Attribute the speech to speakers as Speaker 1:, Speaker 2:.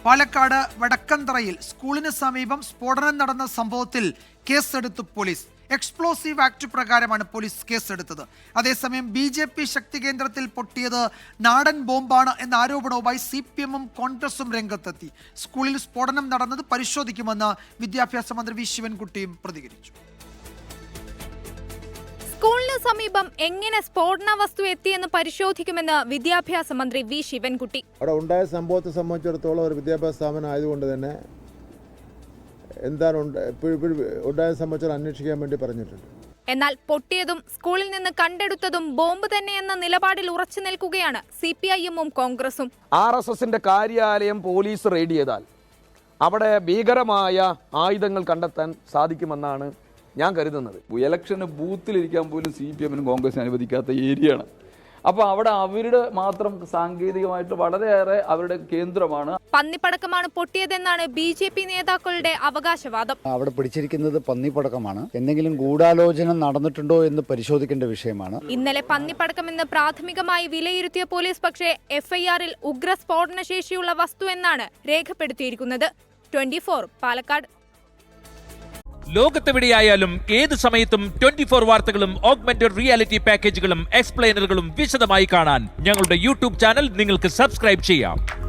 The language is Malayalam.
Speaker 1: പാലക്കാട് വടക്കന്തറയിൽ സ്കൂളിന് സമീപം സ്ഫോടനം നടന്ന സംഭവത്തിൽ കേസെടുത്തു പോലീസ്. എക്സ്പ്ലോസീവ് ആക്ട് പ്രകാരമാണ് പോലീസ് കേസെടുത്തത്. അതേസമയം BJP ശക്തി കേന്ദ്രത്തിൽ പൊട്ടിയത് നാടൻ ബോംബാണ് എന്ന ആരോപണവുമായി CPM-ഉം കോൺഗ്രസും രംഗത്തെത്തി. സ്കൂളിൽ സ്ഫോടനം നടന്നത് പരിശോധിക്കുമെന്ന് വിദ്യാഭ്യാസ മന്ത്രി V. ശിവൻകുട്ടിയും പ്രതികരിച്ചു.
Speaker 2: സ്കൂളിന് സമീപം എങ്ങനെ സ്ഫോടന വസ്തു എത്തിയെന്ന് പരിശോധിക്കുമെന്ന് വിദ്യാഭ്യാസ മന്ത്രി V. ശിവൻകുട്ടി.
Speaker 3: അവിടെ ഉണ്ടായ സംഭവത്തെ സംബന്ധിച്ചിടത്തോളം ഒരു വിദ്യാഭ്യാസ സ്ഥാപനം ആയതുകൊണ്ട് തന്നെ എന്താണ് ഉണ്ടായ സംബന്ധിച്ച് അന്വേഷിക്കാൻ വേണ്ടി പറഞ്ഞിട്ടുണ്ട്.
Speaker 2: എന്നാൽ പൊട്ടിയതും സ്കൂളിൽ നിന്ന് കണ്ടെടുത്തതും ബോംബ് തന്നെയെന്ന നിലപാടിൽ ഉറച്ചു നിൽക്കുകയാണ് CPIM-ഉം കോൺഗ്രസും.
Speaker 4: RSSന്റെ കാര്യാലയം പോലീസ് റെയ്ഡ് ചെയ്താൽ അവിടെ ഭീകരമായ ആയുധങ്ങൾ കണ്ടെത്താൻ സാധിക്കുമെന്നാണ് ഞാൻ കരുതുന്നത്.
Speaker 5: ഇലക്ഷന് ബൂത്തിലിരിക്കാൻ പോലും CPM-നും കോൺഗ്രസിനും അനുവദിക്കാത്ത ഏരിയയാണ്. അപ്പോൾ അവിടെ അവരുടെ മാത്രം സാങ്കേതികമായിട്ട് വളരെയേറെ അവരുടെ കേന്ദ്രമാണ്.
Speaker 2: പന്നിപ്പടക്കമാണ് പൊട്ടിയതെന്നാണ് BJP നേതാക്കളുടെ അവകാശവാദം.
Speaker 6: അവിടെ പിടിച്ചിരിക്കുന്നത് പന്നിപ്പടക്കമാണ്. എന്തെങ്കിലും ഗൂഢാലോചന നടന്നിട്ടുണ്ടോ എന്ന് പരിശോധിക്കേണ്ട വിഷയമാണ്.
Speaker 2: ഇന്നലെ പന്നിപ്പടക്കമെന്ന് പ്രാഥമികമായി വിലയിരുത്തിയ പോലീസ് പക്ഷേ FIR-ൽ ഉഗ്ര സ്ഫോടന ശേഷിയുള്ള വസ്തു എന്നാണ് രേഖപ്പെടുത്തിയിരിക്കുന്നത്. 24 പാലക്കാട്.
Speaker 7: ലോകത്തെവിടെയായാലും ഏത് സമയത്തും 24 വാർത്തകളും ഓഗ്മെന്റഡ് റിയാലിറ്റി പാക്കേജുകളും എക്സ്പ്ലെയിനറുകളും വിശദമായി കാണാൻ ഞങ്ങളുടെ YouTube ചാനൽ നിങ്ങൾക്ക് സബ്സ്ക്രൈബ് ചെയ്യാം.